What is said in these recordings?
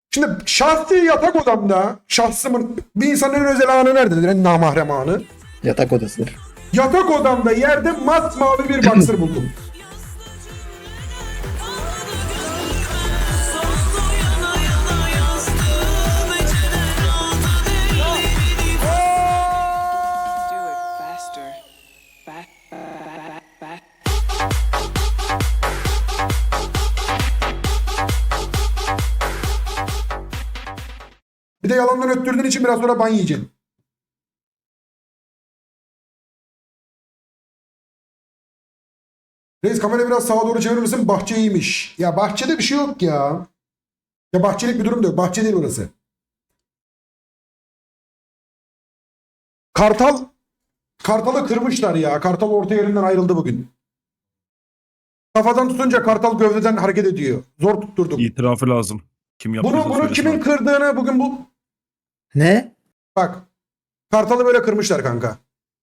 Şimdi şahsi yatak odamda şahsımın bir insanın en özel anı nerededir? En namahrem anı. Yatak odasıdır. Yatak odamda yerde masmavi bir boxer buldum. Do it faster. Back. Bir de yalandan öttürdüğün için biraz sonra ban yiyeceksin. Reis kamerayı biraz sağa doğru çevirir misin? Bahçe iyiymiş. Ya bahçede bir şey yok ya. Ya bahçelik bir durum da yok. Bahçe değil orası. Kartalı kırmışlar ya. Kartal orta yerinden ayrıldı bugün. Kafadan tutunca kartal gövdeden hareket ediyor. Zor tutturduk. İtirafı lazım. Kim yaptıysa Bunu söylesin kimin abi. kırdığını bugün bu... Ne? Bak. Kartalı böyle kırmışlar kanka.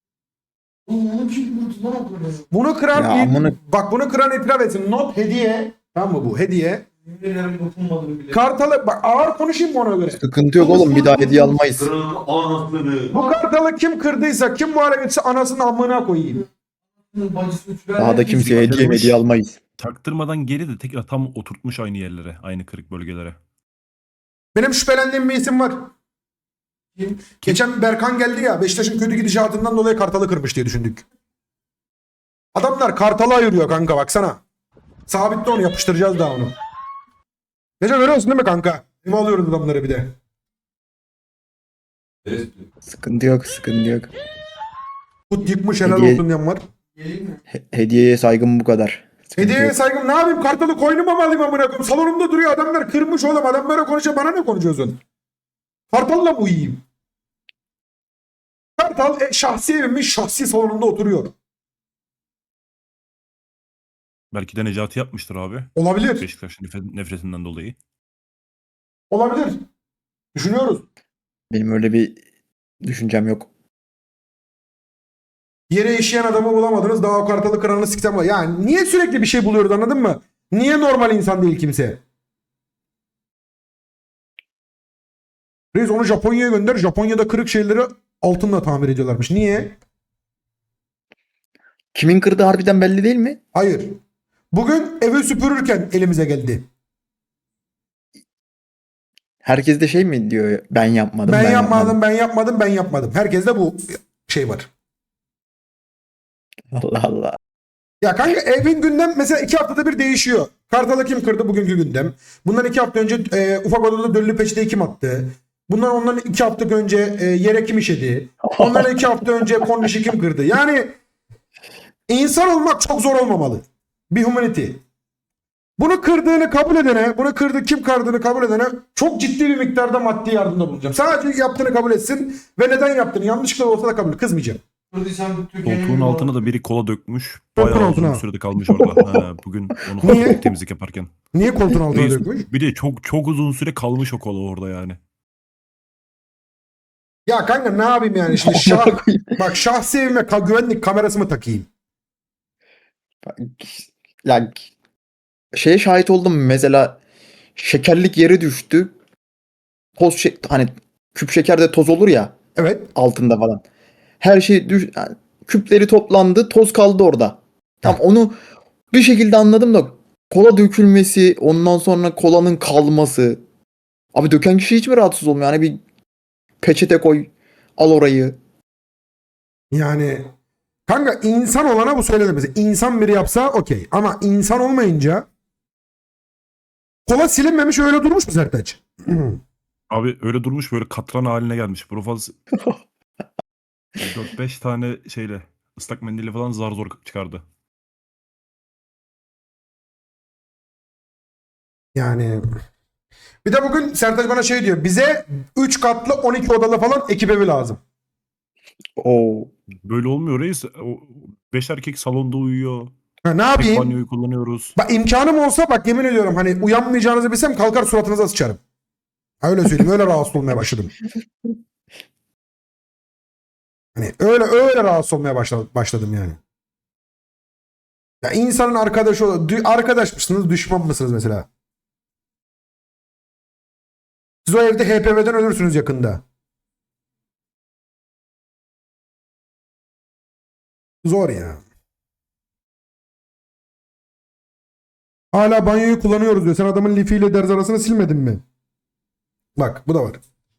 Bunu kıran Ya amına- bak bunu kıran itiraf etsin. Not hediye. Tamam mı bu? Hediye. Kartalı bak ağır konuşayım mı ona göre? Sıkıntı yok oğlum, bir daha hediye almayız. Bu kartalı kim kırdıysa, kim muhalefet etse anasını amına koyayım. Daha da kimseye hediye almayız. Taktırmadan geri de tekrar tam oturtmuş aynı yerlere. Aynı kırık bölgelere. Benim şüphelendiğim bir isim var. Geçen Berkan geldi ya, Beşiktaş'ın kötü gidişatından dolayı kartalı kırmış diye düşündük. Adamlar kartalı ayırıyor kanka, baksana. Sabitte onu, yapıştıracağız daha onu. Gece görüyorsun değil mi kanka? Eve alıyoruz adamları bir de. Sıkıntı yok, sıkıntı yok. Kut yıkmış, helal Hediye- olsun diyen var. Hediyeye saygım bu kadar. Sıkıntı Hediyeye yok. saygım, ne yapayım, kartalı koynuma mı alayım amına koyayım? Salonumda duruyor, adamlar kırmış oğlum, adam böyle konuşuyor, bana ne konuşuyorsun? Kartalla mı uyuyayım? Kartal şahsi evimin şahsi salonunda oturuyor. Belki de Necati yapmıştır abi. Olabilir. Beşiktaş nefretinden dolayı. Olabilir. Düşünüyoruz. Benim öyle bir düşüncem yok. Yere işeyen adamı bulamadınız, daha o kartalı kıranını siksem var. Yani niye sürekli bir şey buluyoruz, anladın mı? Niye normal insan değil kimse? Reis onu Japonya'ya gönder. Japonya'da kırık şeyleri altınla tamir ediyorlarmış. Niye? Kimin kırdığı harbiden belli değil mi? Hayır. Bugün evi süpürürken elimize geldi. Herkes de şey mi diyor? Ben yapmadım. Ben yapmadım. Herkeste bu şey var. Allah Allah. Ya kanka evin gündem mesela 2 haftada bir değişiyor. Kartalı kim kırdı bugünkü gündem. Bundan 2 hafta önce ufak odada döllü peçeteyi kim attı. Ondan 2 hafta önce yere kim işedi. Ondan 2 hafta önce kornişi kim kırdı. Yani insan olmak çok zor olmamalı. Bir humanity. Bunu kırdığını kabul edene, bunu kim kırdığını kabul edene çok ciddi bir miktarda maddi yardımda bulunacağım. Sadece yaptığını kabul etsin ve neden yaptığını yanlışlıkla olsa da kabul et. Kızmayacağım. Koltuğun altına da biri kola dökmüş. Koltuğun Bayağı altına. uzun sürede kalmış orada. Ha, bugün onu fark Niye? ettik temizlik yaparken. Niye koltuğun altına Reis, dökmüş? bir de çok uzun süre kalmış o kola orada yani. Ya kanka ne yapayım yani şimdi bak şahsi evime güvenlik kamerası mı takayım? Ya şeye şahit oldum mesela, şekerlik yere düştü. Hani küp şekerde toz olur ya Evet. altında falan. Her şey yani küpleri toplandı, toz kaldı orada. Tam onu bir şekilde anladım da kola dökülmesi, ondan sonra kolanın kalması. Abi döken kişi hiç mi rahatsız olmuyor? Hani bir peçete koy, al orayı. Yani kanka insan olana bu söylenir mesela. İnsan biri yapsa okey. Ama insan olmayınca kola silinmemiş öyle durmuş mu Sertaç? Abi öyle durmuş, böyle katran haline gelmiş. Profaz 4-5 tane şeyle ıslak mendille falan zar zor çıkardı. Yani bir de bugün Sertaç bana şey diyor. Bize 3 katlı 12 odalı falan ekip evi lazım. Oo. Böyle olmuyor reis. O 5 erkek salonda uyuyor. Ha, ne Tek yapayım? banyoyu kullanıyoruz. Bak imkanım olsa bak yemin ediyorum hani uyanmayacağınızı bilsem kalkar suratınıza sıçarım. Ha, öyle söyleyeyim, öyle rahatsız olmaya başladım. Hani öyle rahatsız olmaya başladım yani. Ya insanın arkadaş mısınız, düşman mısınız mesela? Siz o evde HPV'den ölürsünüz yakında. Zor ya. Hala banyoyu kullanıyoruz diyor. Sen adamın lifiyle derz arasını silmedin mi? Bak bu da var.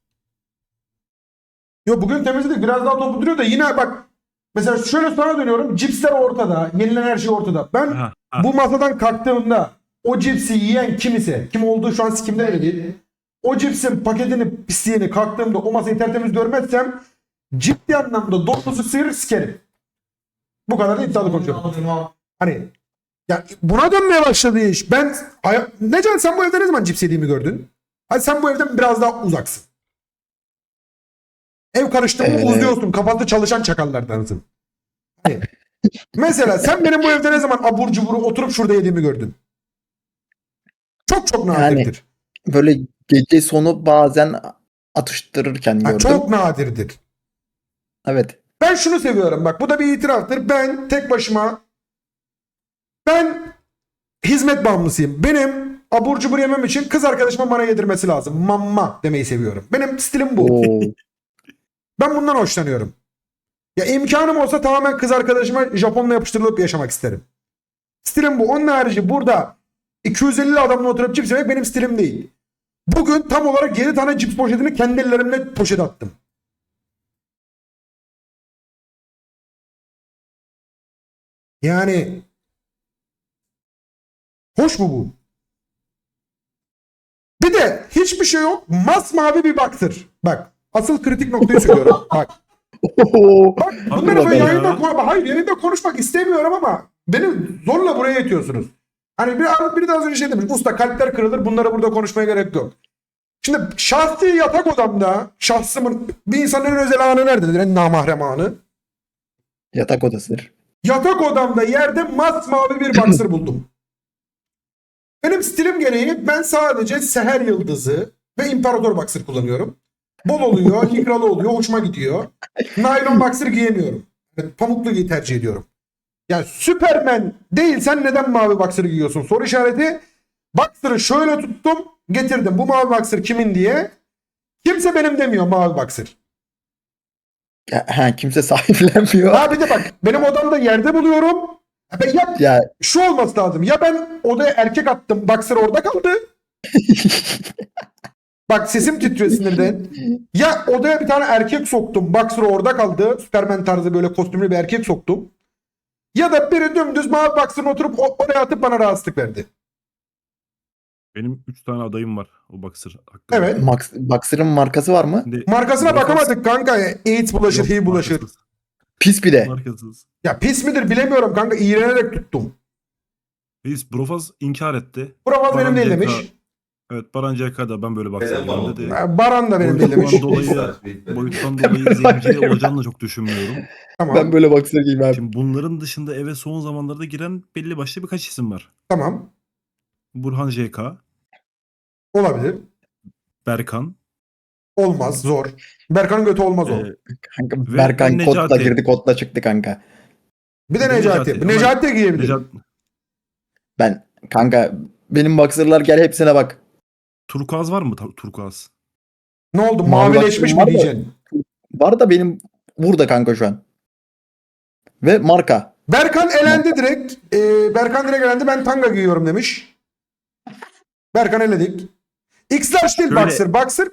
Yo bugün temizledik. Biraz daha toplu duruyor da yine bak. Mesela şöyle sana dönüyorum. Cipsler ortada. Yenilen her şey ortada. Ben Ha, bu masadan kalktığımda o cipsi yiyen kim ise, kim olduğu şu an sikimde öyle değil. O cipsin paketini, pisliğini kalktığımda o masayı tertemiz görmezsem ciddi anlamda dokunuzu sıyırır sikerim. Bu kadar da iddialı konuşuyorum. Hani ya buna dönmeye başladı iş. Necan sen bu evde ne zaman cips yediğimi gördün? Hadi sen bu evden biraz daha uzaksın. Ev karıştı mı uzuyorsun. Kafanda çalışan çakallardansın. Hani, mesela sen benim bu evde ne zaman abur cuburu oturup şurada yediğimi gördün? Çok nadirdir. Böyle gece sonu bazen atıştırırken Ha, gördüm. çok nadirdir. Evet. Ben şunu seviyorum bak bu da bir itiraftır. Ben tek başıma hizmet bağımlısıyım. Benim abur cubur yemem için kız arkadaşıma bana yedirmesi lazım. Mamma demeyi seviyorum. Benim stilim bu. Oo. Ben bundan hoşlanıyorum. Ya imkanım olsa tamamen kız arkadaşıma Japonla yapıştırılıp yaşamak isterim. Stilim bu. Onun harici burada 250 adamla oturup cips yemek benim stilim değil. Bugün tam olarak 7 tane cips poşetini kendi ellerimle poşete attım. Yani hoş mu bu? Bir de hiçbir şey yok. Masmavi bir baktır. Bak asıl kritik noktayı söylüyorum. Bak. Bak bunları böyle bakalım yayında ya. hayır yayında konuşmak istemiyorum ama beni zorla buraya itiyorsunuz. Hani biri de az önce şey demiş. Usta kalpler kırılır. Bunları burada konuşmaya gerek yok. Şimdi şahsi yatak odamda şahsımın bir insanın en özel anı nerededir? En namahrem anı. Yatak odasıdır. Yatak odamda yerde masmavi bir boxer buldum. Benim stilim gereği ben sadece Seher Yıldızı ve İmparator boxer kullanıyorum. Bol oluyor, likralı oluyor, hoşuma gidiyor. Naylon boxer giyemiyorum. Yani pamuklu tercih ediyorum. Yani Superman değilsen neden mavi boxer giyiyorsun? Soru işareti. Boxer'ı şöyle tuttum, getirdim. Bu mavi boxer kimin diye. Kimse benim demiyor mavi boxer. Kimse sahiplenmiyor. Ha bir de bak benim odamda yerde buluyorum. Ya Şu olması lazım. Ya ben odaya erkek attım. Boxer orada kaldı. Bak sesim titriyor sinirden. Ya odaya bir tane erkek soktum. Boxer orada kaldı. Superman tarzı böyle kostümlü bir erkek soktum. Ya da biri dümdüz mavi boxer'ına oturup oraya atıp bana rahatsızlık verdi. Benim 3 tane adayım var o boxer hakkında. Evet. Boxer'ın markası var mı? Şimdi Markasına Brofast- bakamadık kanka. AIDS bulaşır, Yok, HIV bulaşır. markasız. Pis bir de. Markasız. Ya pis midir bilemiyorum kanka. İğrenerek tuttum. Reis Brofaz inkar etti. Buramaz benim Baran değil CK demiş. Evet Baran CK'da ben böyle boxer giyiyorum dedi. Baran da benim değil demiş. Boyuttan dolayı zenci olacağını da çok düşünmüyorum. Tamam. Ben böyle boxer giyeyim abi. Şimdi bunların dışında eve son zamanlarda giren belli başlı birkaç isim var. Tamam. Burhan JK, Olabilir. Berkan, Olmaz. Zor. Berkan'ın götü olmaz o. Kanka Ve Berkan kodla Necati. girdi kodla çıktı kanka. Bir de bir de Necati. Necati. Necati de giyebilir. Ben kanka benim boxer'lar gel hepsine bak. Turkuaz var mı? Turkuaz. Ne oldu? Mavi Mavileşmiş baktım mi var da- diyeceksin? Var da benim burada kanka şu an. Ve marka. Berkan elendi direkt. Berkan direkt elendi. Ben tanga giyiyorum demiş. Berkan eledik. X-Large değil Şöyle- boxer. Boxer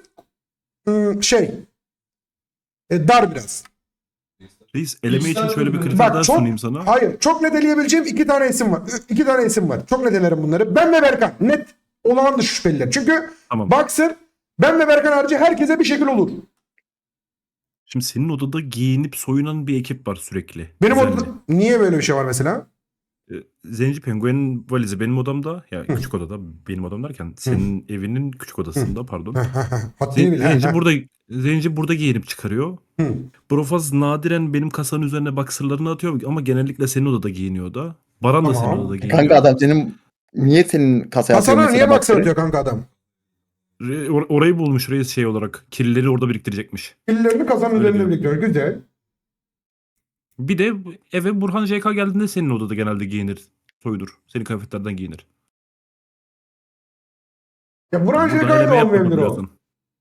dar biraz. Reis eleme için şöyle bir kriter Bak daha çok sunayım sana. hayır çok net eleyebileceğim iki tane isim var. İki tane isim var. Çok net elerim bunları. Ben ve Berkan. Net olağan dışı şüpheliler. Çünkü Tamam. boxer ben ve Berkan harici herkese bir şekil olur. Şimdi senin odada giyinip soyunan bir ekip var sürekli. Benim Düzenli. odada niye böyle bir şey var mesela? Zenci Penguen'in valizi benim odamda. Ya küçük odada benim odam derken senin evinin küçük odasında pardon. Haddini bil. Zenci burada giyinip çıkarıyor. Hı. Brofaz nadiren benim kasanın üzerine boxer'larını atıyor ama genellikle senin odada giyiniyor da. Baran da Tamam. senin odada giyiniyor. Kanka adam niye senin kasaya atıyor Hasan'a niye mesela boxer boxer'ı? atıyor kanka adam? Orayı bulmuş reis şey olarak. Kirlileri orada biriktirecekmiş. Ellerini kasanın Öyle üzerine diyor. biriktiriyor. Güzel. Bir de eve Burhan JK geldiğinde senin odada genelde giyinir. Soyulur. Senin kıyafetlerden giyinir. Ya Burhan Burada Şeker'de eleme de yapmadım olmayabilir o. birazdan.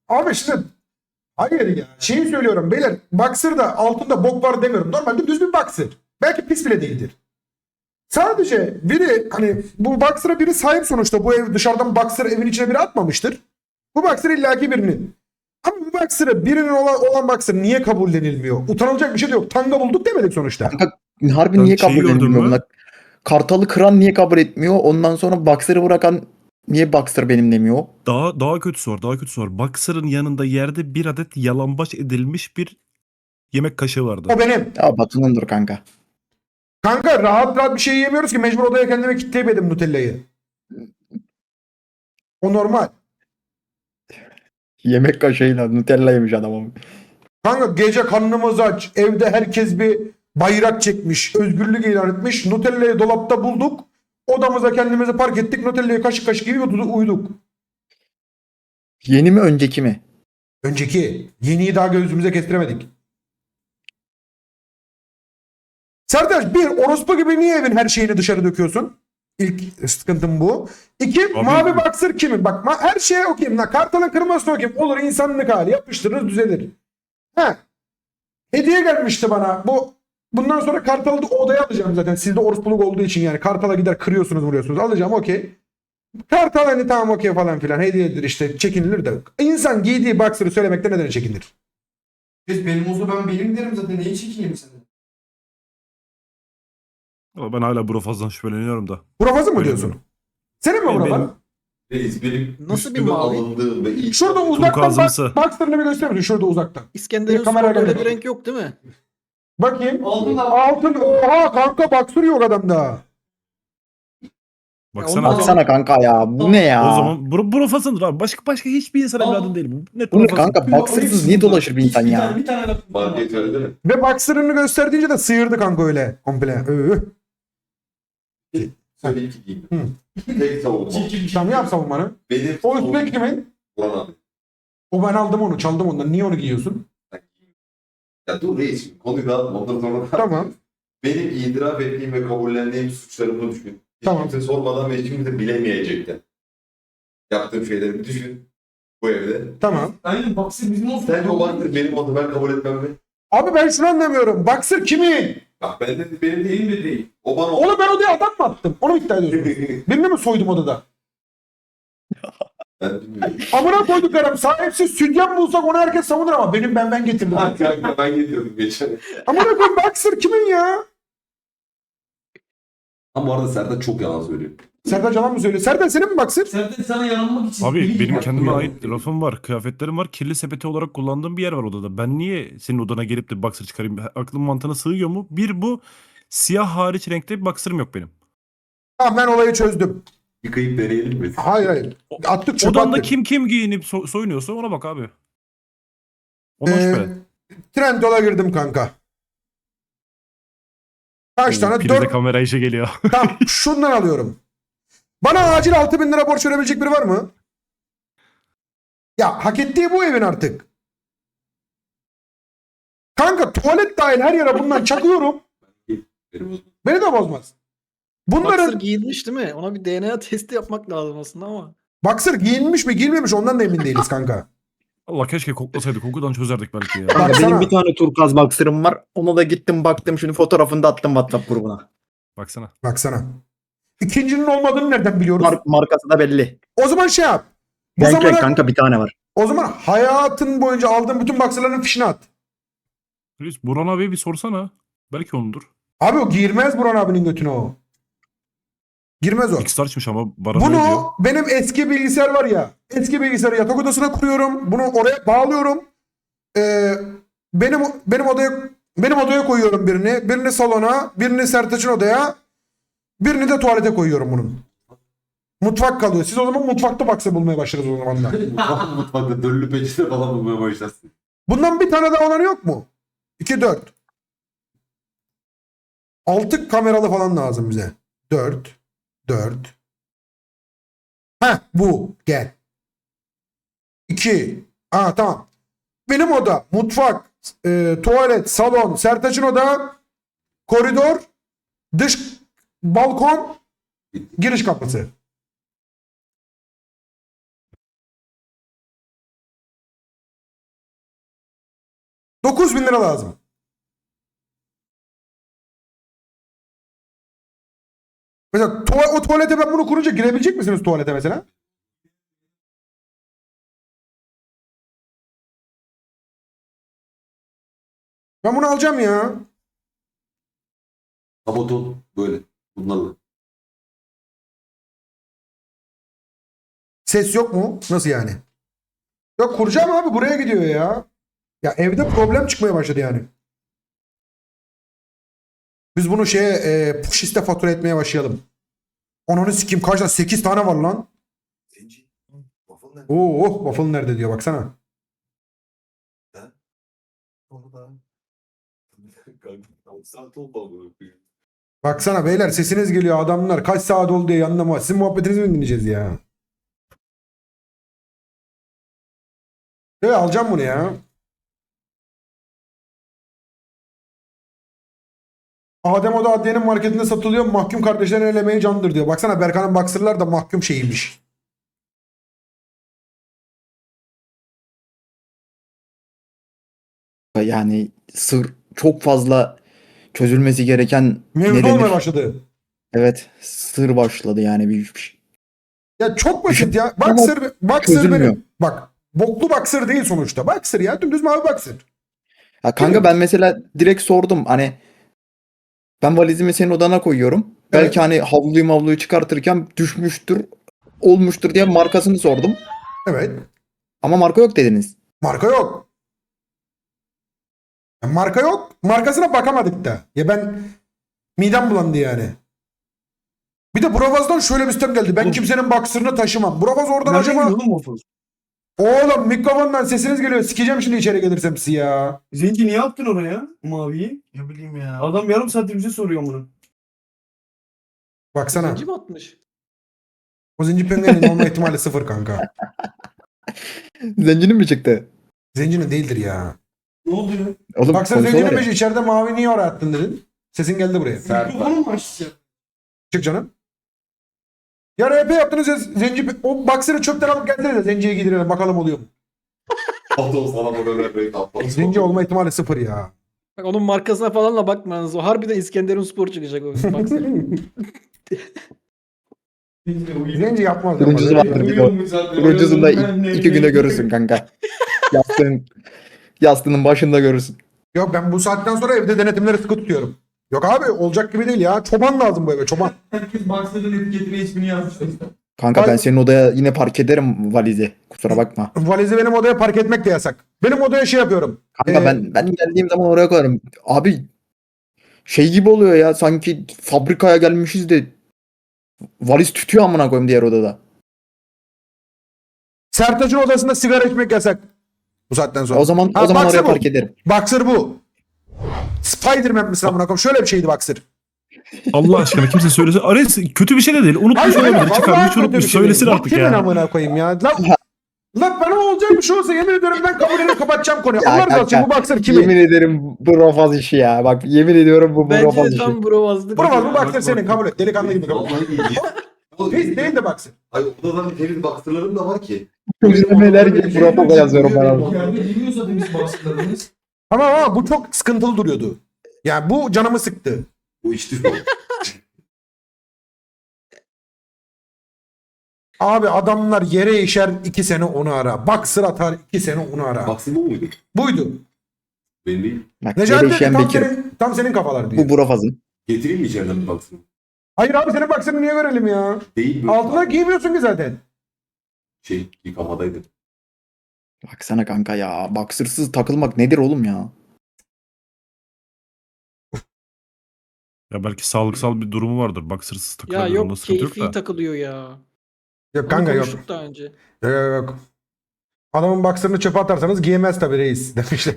Abi şimdi hayır ya. Şeyi söylüyorum beyler. Boxer'da altında bok var demiyorum. Normalde düz bir boxer. Belki pis bile değildir. Sadece biri hani bu boxer'a biri sahip sonuçta. Bu ev dışarıdan boxer evin içine biri atmamıştır. Bu boxer illaki birinin. Ama bu boxer'ı birinin olan boxer niye kabullenilmiyor? Utanılacak bir şey de yok. Tanga bulduk demedik sonuçta. Kanka harbi Sen niye şeyi kabul gördün edilmiyor mü? bunlar? Kartalı kıran niye kabul etmiyor? Ondan sonra Boxer'ı bırakan niye Boxer benim demiyor? Daha kötüsü var. Daha kötüsü var. Boxer'ın yanında yerde bir adet yalambaç edilmiş bir yemek kaşığı vardı. O benim. Ya Batu'nundur kanka. Kanka rahat rahat bir şey yiyemiyoruz ki. Mecbur odaya kendime kilitleyip yedim Nutella'yı. O normal. Yemek kaşığıyla Nutella yemiş adam ama. Kanka gece karnımız aç. Evde herkes bir bayrak çekmiş. Özgürlük ilan etmiş. Nutella'yı dolapta bulduk. Odamıza kendimizi park ettik. Nutella'yı kaşık kaşık gibi uyuduk. Yeni mi önceki mi? Önceki. Yeniyi daha gözümüze kestiremedik. Sertaç bir orospu gibi niye evin her şeyini dışarı döküyorsun? İlk sıkıntım bu. İki Abi- mavi boxer kimin? Bak her şeye okuyayım. Kartalın kırmasına okuyayım. Olur insanlık hali. Yapıştırırız düzelir. He. Hediye gelmişti bana. Bundan sonra Kartal'ı da odaya alacağım zaten. Sizde orospuluk olduğu için yani. Kartal'a gider kırıyorsunuz vuruyorsunuz. Alacağım okey. Kartal hani tamam okey falan filan. Hediyedir işte çekinilir de. İnsan giydiği boxer'ı söylemekte neden çekinir? Benim olsa ben benim derim zaten. Neyi çekeyim senden? Ama ben hala Brofaz'dan şüpheleniyorum da. Burafazı mı Öyle diyorsun? diyorum. Senin mi Benim- burafaz? benim- Reis benim Nasıl bir üstüme mavi? alındığım ve ilk Şurada uzaktan Turkuazımsı. boxer'ını bir gösterir misin? Şurada uzaktan. İskender'in Bir kamera sporda öyle geldi. bir renk yok değil mi? Bakayım. Altın da- Altın. Oha kanka boxer yok adamda. Baksana. ondan- Baksana kanka ya. Bu ne ya? O zaman Brofaz'ındır abi. Başka hiçbir insan evladın değil. Bu net Bu ne Brofaz'ın. kanka? Boxer'sız niye dolaşır bir insan ya? Bir tane laf market öyle değil mi? Ve boxer'ını gösterdiğince de sıyırdı kanka öyle. Komple. Söyle iki giydim. Hı. Tek savunma. Tamam yap savunmanı. Benim O üstteki kimin? Ulan abi. O ben aldım onu. Çaldım ondan. Niye onu giyiyorsun? Ya dur reis şimdi konuyu dağıtma. Ondan sonra Tamam. benim itiraf ettiğim ve kabullendiğim suçlarımı düşün. Hiç Tamam. kimse sormadan ve hiç kimse bilemeyecekti. Yaptığım şeyleri düşün. Bu evde. Tamam. Aynen Boxer bizim olsun. Sence o baktır benim oldu ben kabul etmem mi? Abi ben şunu anlamıyorum. Boxer kimin? Bak ben de benim değil mi değil. O bana Oğlum ben odaya adam mı attım? Onu mu iddia ediyorsun? Birini mi soydum odada? Ben bilmiyorum. Amına koyduklarım sahipsiz sütyen bulsak onu herkes savunur ama ben getirdim. Ha, kanka ben gidiyordum geçen. Amına koyayım Boxer kimin ya? Ama bu arada Serdar çok yalan söylüyor. Serdar Canan mı söylüyor? Serdar senin mi Boxer? Serdar sana yanılmak için. Abi benim Bak, kendime bu ait yalan. rafım var, kıyafetlerim var. Kirli sepeti olarak kullandığım bir yer var odada. Ben niye senin odana gelip de boxer çıkarayım? Aklım mantığına sığıyor mu? Bir bu siyah hariç renkte bir boxer'ım yok benim. Tamam ben olayı çözdüm. Yıkayıp deneyelim mi? Hayır. Attık çöpe Odanda attık. kim giyinip soyunuyorsa ona bak abi. Ondan Ee, şüphelen. Trendyol'a girdim kanka. Kaç tane? Prize 4. kamera işe geliyor. Tamam şundan alıyorum. Bana acil 6.000 lira borç verebilecek biri var mı? Ya hak ettiği bu evin artık. Kanka tuvalet dahil her yere bundan çakıyorum. Beni de bozmaz. Boxer Bunların giyilmiş değil mi? Ona bir DNA testi yapmak lazım aslında ama. Boxer giyinmiş mi giyinmemiş ondan da emin değiliz kanka. Allah keşke koklasaydık. Kokudan çözerdik belki ya. Kanka Baksana. benim bir tane turkuaz Boxer'ım var. Ona da gittim baktım şimdi fotoğrafını da attım WhatsApp grubuna. Baksana. Baksana. İkincinin olmadığını nereden biliyoruz? Markası da belli. O zaman şey yap. Bu Renk renk zamana, kanka bir tane var. o zaman hayatın boyunca aldığın bütün boxerların fişini at. Reis, Burhan abiye bir sorsana. Belki onundur. Abi o girmez Burhan abinin götüne o. Girmez o. X-Star'çmış ama bana öyle diyor. Bunu benim eski bilgisayar var ya. Eski bilgisayarı yatak odasına kuruyorum. Bunu oraya bağlıyorum. Benim odaya koyuyorum birini. Birini salona, birini Sertaç'ın odaya. Birini de tuvalete koyuyorum bunun. Mutfak kalıyor. Siz o zaman mutfakta boxer bulmaya başlarız o zaman da. Mutfakta döllü peçete falan bulmaya başlarsın. Bundan bir tane daha olanı yok mu? 2 4. 6 kameralı falan lazım bize. 4 4. Heh bu gel. 2. Aa tamam. Benim oda, mutfak, tuvalet, salon, Sertaç'ın oda, koridor, dış balkon, giriş kapısı. 9.000 lira lazım. Mesela o tuvalete ben bunu kurunca girebilecek misiniz tuvalete mesela? Ben bunu alacağım ya. Kapaton böyle. Bunlarla. Ses yok mu? Nasıl yani? Yok kuracağım abi, buraya gidiyor ya. Ya evde problem çıkmaya başladı yani. Biz bunu Pushist'e fatura etmeye başlayalım. Ananı sikeyim, kaç tane? 8 tane var lan. Zenci. Waffle ne? Oo, waffle nerede diyor baksana. Onu da. Saat olmalı. Baksana beyler, sesiniz geliyor, adamlar kaç saat oldu diye yanında mı? Sizin muhabbetinizi mi dinleyeceğiz ya? Evet, alacağım bunu ya. Adem Oda Adliye'nin marketinde satılıyor. Mahkum kardeşlerin el emeği candır diyor. Baksana Berkan'ın boxer'lar da mahkum şeyiymiş. Yani sır çok fazla çözülmesi gereken ne Mevzu denir? olmaya başladı. Evet, sır başladı yani bir şey. Ya çok basit ya. Ama Boxer çözülmüyor. benim. Bak, boklu boxer değil sonuçta. Boxer ya, dümdüz mavi boxer. Ya kanka ben mesela direkt sordum hani ben valizimi senin odana koyuyorum. Evet. Belki hani havluyu çıkartırken düşmüştür, olmuştur diye markasını sordum. Evet. Ama marka yok dediniz. Marka yok. Ya marka yok. Markasına bakamadık da. Ya ben midem bulandı yani. Bir de Bravaz'dan şöyle bir sistem geldi. Ben kimsenin boxer'ını taşımam. Bravaz oradan acaba... oğlum waffle? Oğlum mikrofondan sesiniz geliyor. Sikeceğim şimdi içeri gelirsem sizi ya. Zenci niye yaptın oraya maviyi? Ne bileyim ya. Adam yarım saattir bize soruyor bunu. Baksana. Zenci mi atmış? O zenci penguenin olma ihtimali sıfır kanka. Zencinin mi çıktı? Zencinin değildir ya. Ne oldu ya? Oğlum Baksana konuşuyorlar zencininmiş, ya. içeride mavi niye oraya attın dedin. Sesin geldi buraya. Sert var. Mikrofonu mu açacağım? Çık canım. Ya RP yaptınız ya zenci. O boxer'ı çöpten alıp gelsene de zenciye giydirelim bakalım oluyor mu? Kapaton sana bu kadar böyle kapaton. Zenci olma ihtimali sıfır ya. Bak onun markasına falan da bakmanız. O harbiden İskenderun Spor çıkacak o. Baksana. Zenci yapmaz. Turuncusu yapmaz. vardır bir de o. Turuncusunu da 2 güne görürsün kanka. Yastığının başında görürsün. Yok, ben bu saatten sonra evde denetimleri sıkı tutuyorum. Yok abi, olacak gibi değil ya. Çoban lazım bu eve, çoban. Herkes Boxer'ın etiketine ismini yazmıştı. Kanka ben Ay- senin odaya yine park ederim valizi. Kusura bakma. Valizi benim odaya park etmek de yasak. Benim odaya şey yapıyorum. Kanka ben geldiğim zaman oraya koyarım. Abi şey gibi oluyor ya sanki fabrikaya gelmişiz de valiz tütüyor amına koyayım diğer odada. Sertaç'ın odasında sigara içmek yasak. Bu saatten sonra. O zaman Ha, oraya Boxer bu. park ederim. Boxer bu. Spider-Man mesela amına koyayım. Şöyle bir şeydi Boxer. Allah aşkına kimse söylesin. Ares kötü bir şey de değil. Unutmuş Hayır, olabilir. vallahi Çıkarmış kötü bir unutmuş. şey Söylesin değil. Bu artık kimin ya. amına koyayım ya? Lan bana olacak bir şey olsa yemin ediyorum ben kabul edip kapatacağım konuyu. Ya Allah razı olsun, kanka, bu Boxer kimin? Yemin ederim bu Rofaz işi ya. Bak yemin ediyorum bu Bence Rofaz de işi. tam brovazlık. Buramaz, bu Boxer senin, kabul et. Delikanlı gibi kabul et. Vallahi iyi. Pis değil de Boxer. Ay odadan temiz boxer'larım da var ki. Neler gibi Rofaz'a yazıyorum ben abi. Yani bilmiyorsa biz Boxer'larımız. Ama bu çok sıkıntılı duruyordu. Yani bu canımı sıktı. Bu içti şu an. Abi adamlar yere işer 2 sene onu ara. Boxer atar 2 sene onu ara. Boxer bu muydu? Buydu. Benim değil. Bak Necati yere işeyen tam Bekir. tam senin kafalar diyor. Bu Rofaz'ın. Getireyim mi içeriden bir boxer? Hayır abi, senin Boxer'ını niye görelim ya? Değil mi? Altına giymiyorsun ki zaten. Yıkamadaydı. Baksana kanka ya. Boxersız takılmak nedir oğlum ya? Ya belki sağlıksal bir durumu vardır. Boxersız Ya takılabilir. Onda yok, sıkıntı yok keyfi da. takılıyor ya. Yok kanka, Onu yok. konuştuk daha önce. Yok. Adamın Boxer'ını çöpe atarsanız giyemez tabii reis demişler.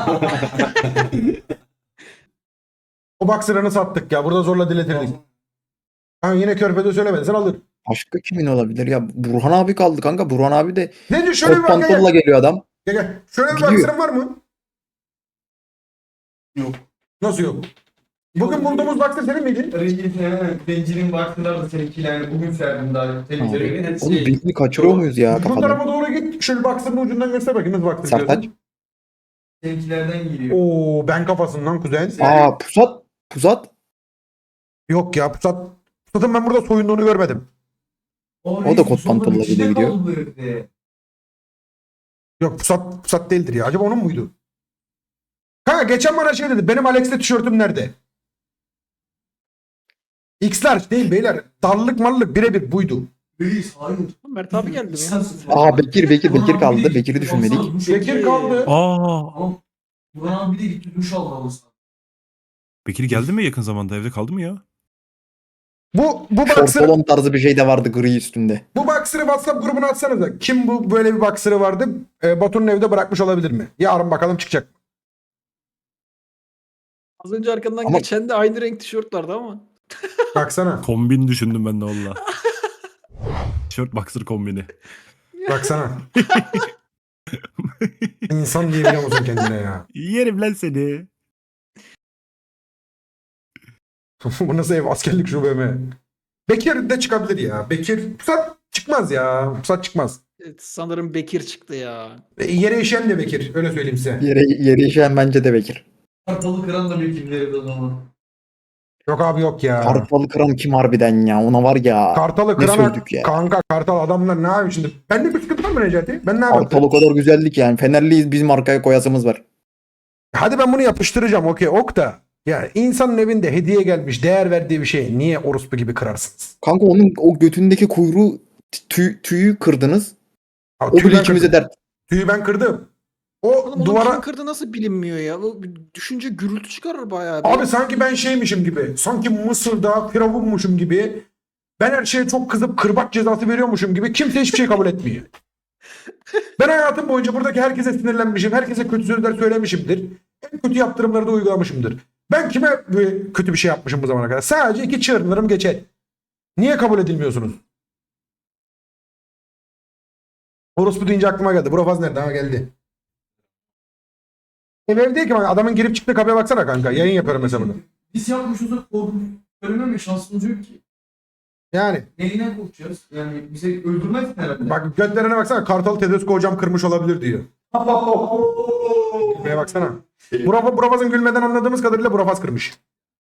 O Boxer'ını sattık ya. Burada zorla diletirdik. Ha, yine körpede söylemedin, alır. Başka kimin olabilir ya? Burhan abi kaldı kanka. Burhan abi de Ne diyor, şöyle bir kot bak, pantolonla gel. geliyor adam. Gel. Şöyle bir Gidiyor. Boxer'ın var mı? Yok. Nasıl yok? Bugün bulduğumuz Boxer senin miydi? Zencinin Boxer'lar da seninkiyle yani bugün serdim daha. Temizlemek. Oğlum birini kaçırıyor muyuz ya Bu kafadan? tarafa doğru git. Şöyle Boxer'ın ucundan göster bakayım nasıl Boxer Sertaç. diyorsun. Seninkilerden geliyor. Oo ben kafasından kuzen. Aa Pusat. Yok ya Pusat'ın ben burada soyunduğunu görmedim. O da kot pantolonla gidiyor. Yok Pusat değildir ya. Acaba onun muydu? Kanka geçen bana şey dedi. Benim Alex'te tişörtüm nerede? X-Large değil beyler. Darlık mallık birebir buydu. Reis hayır. Mert abi geldi mi ya? Aa Bekir kaldı. Bekir'i düşünmedik. Bekir kaldı. Aa, Burhan abi de gitti duş aldı olsa. Bekir geldi mi yakın zamanda? Evde kaldı mı ya? Bu boxer'ı Şortolon tarzı bir şey de vardı gri üstünde. bu boxer'ı WhatsApp grubuna atsanıza. Kim bu böyle bir boxer'ı vardı? Batu'nun evde bırakmış olabilir mi? Yarın bakalım çıkacak mı? Az önce arkandan Ama- geçen de aynı renk tişört vardı ama. Baksana. Kombin düşündüm ben de valla. Tişört boxer kombini. Baksana. İnsan diyebiliyor musun kendine ya? Yerim lan seni. Bu nasıl ev? Askerlik şube mi? Bekir de çıkabilir ya. Pusat çıkmaz ya. Pusat çıkmaz. Evet, sanırım Bekir çıktı ya. Yere işen de Bekir. Öyle söyleyeyim size. Yere işeyen bence de Bekir. Kartalı kıran da bekimleri o zaman. Yok abi yok ya. Kartalı kıran kim harbiden ya? Ona var ya. Kartalı Ne kırana sövdük ya. kanka Kartal adamlar ne yapayım şimdi? Bende bir sıkıntı var mı Necati? Ben ne yapayım? Kartal o kadar güzellik yani. Fenerliyiz bizim arkaya koyasımız var. Hadi ben bunu yapıştıracağım okey ok da. Ya insanın evinde hediye gelmiş değer verdiği bir şey niye orospu gibi kırarsınız? Kanka onun o götündeki kuyruğu tüyü kırdınız. Abi, O bile ikimize dert. Tüyü ben kırdım. O Oğlum onu duvara... kim kırdı nasıl bilinmiyor ya. O düşünce gürültü çıkarır bayağı. bir. Abi sanki ben şeymişim gibi. Sanki Mısır'da firavunmuşum gibi. Ben her şeye çok kızıp kırbaç cezası veriyormuşum gibi. Kimse hiçbir şey kabul etmiyor. Ben hayatım boyunca buradaki herkese sinirlenmişim. Herkese kötü sözler söylemişimdir. En kötü yaptırımları da uygulamışımdır. Ben kime böyle kötü bir şey yapmışım bu zamana kadar? Sadece 2 çığırlarım geçer. Niye kabul edilmiyorsunuz? Orospu deyince aklıma geldi. Burafaz nerede? Ha geldi. Ev değil ki. Adamın girip çıktığı kapıya baksana kanka. Yayın yapıyorum mesela bunu. Biz yapmışız da ölmeme şansımız yok ki. Yani. Neyine korkacağız? Yani bize öldürmez herhalde. Bak götlerine baksana. Kartal Tedesco hocam kırmış olabilir diyor. Buraya baksana. Burafaz'ın gülmeden anladığımız kadarıyla Burafaz kırmış.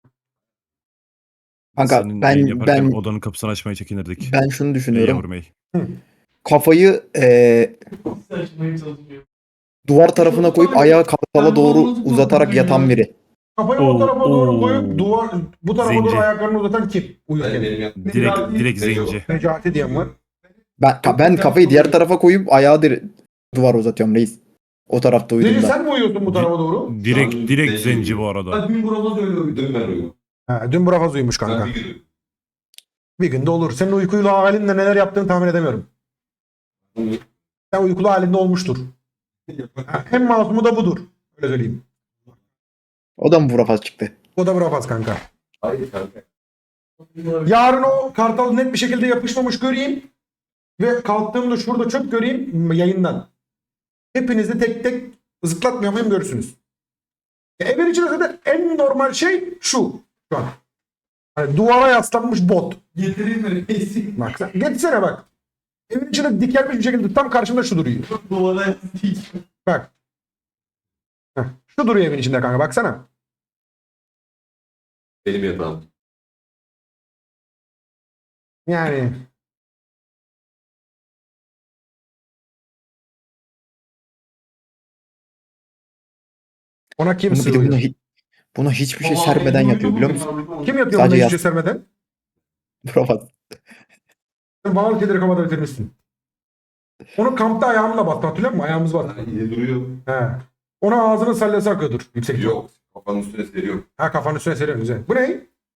Kanka Senin yayın yaparken ben odanın kapısını açmaya çekinirdik. ben şunu Ey düşünüyorum. yavrum ey. Kafayı Saçmaya çalışıyor. duvar tarafına koyup ayağı kartala doğru uzatarak yatan biri. Kafayı o tarafa doğru Oo. koyup bu tarafa Zenci. doğru ayaklarını uzatan kim? Ben Uyurken. benim yaptığım. Direkt zenci. Necati diyen var. Ben kafayı diğer tarafa koyup ayağı duvara uzatıyorum reis. O tarafta Zenci uyuduğumda. sen mi uyuyorsun bu tarafa doğru? Direkt Zenci. zenci bu arada. Ben dün burada da öyle uyudum. Dün ben uyudum. Ha, dün Burafaz uyumuş Ben kanka. bir gün Bir günde olur. Senin uykuyla halinde neler yaptığını tahmin edemiyorum. uyudum. Sen uykulu halinde olmuştur. Ha, en masumu da budur. Öyle söyleyeyim. O da mı vurafaz çıktı? O da Burafaz kanka. Hayır kanka. Yarın o kartal net bir şekilde yapışmamış göreyim. Ve kalktığımda şurada çöp göreyim yayından. Hepinizi tek tek zıplatmıyor muyum görürsünüz. Evin içinde zaten en normal şey şu an. Hani duvara yaslanmış bot. Getireyim mi reisi? Bak sen getsene bak. Evin içinde dikelmiş bir şekilde tam karşımda şu duruyor. Duvara yansıtayım. Bak. Heh, şu duruyor evin içinde kanka baksana. Benim yatağım. Yani. Ona kim Bir de sığıyor? buna hiçbir şey sermeden yatıyor biliyor musun? Kim yatıyor Sadece buna hiçbir yaz- şey sermeden? Vurafaz. Sen bana kederi kafada bitirmişsin. Onu kampta ayağımla bastı hatırlıyor musun? Ayağımız bastı. Yine duruyor. He. Ona ağzının sallası akıyordur. Yüksek ihtimal. Yok. Kafanın üstüne seriyorum. Ha kafanın üstüne seriyorsun güzel. Bu ne?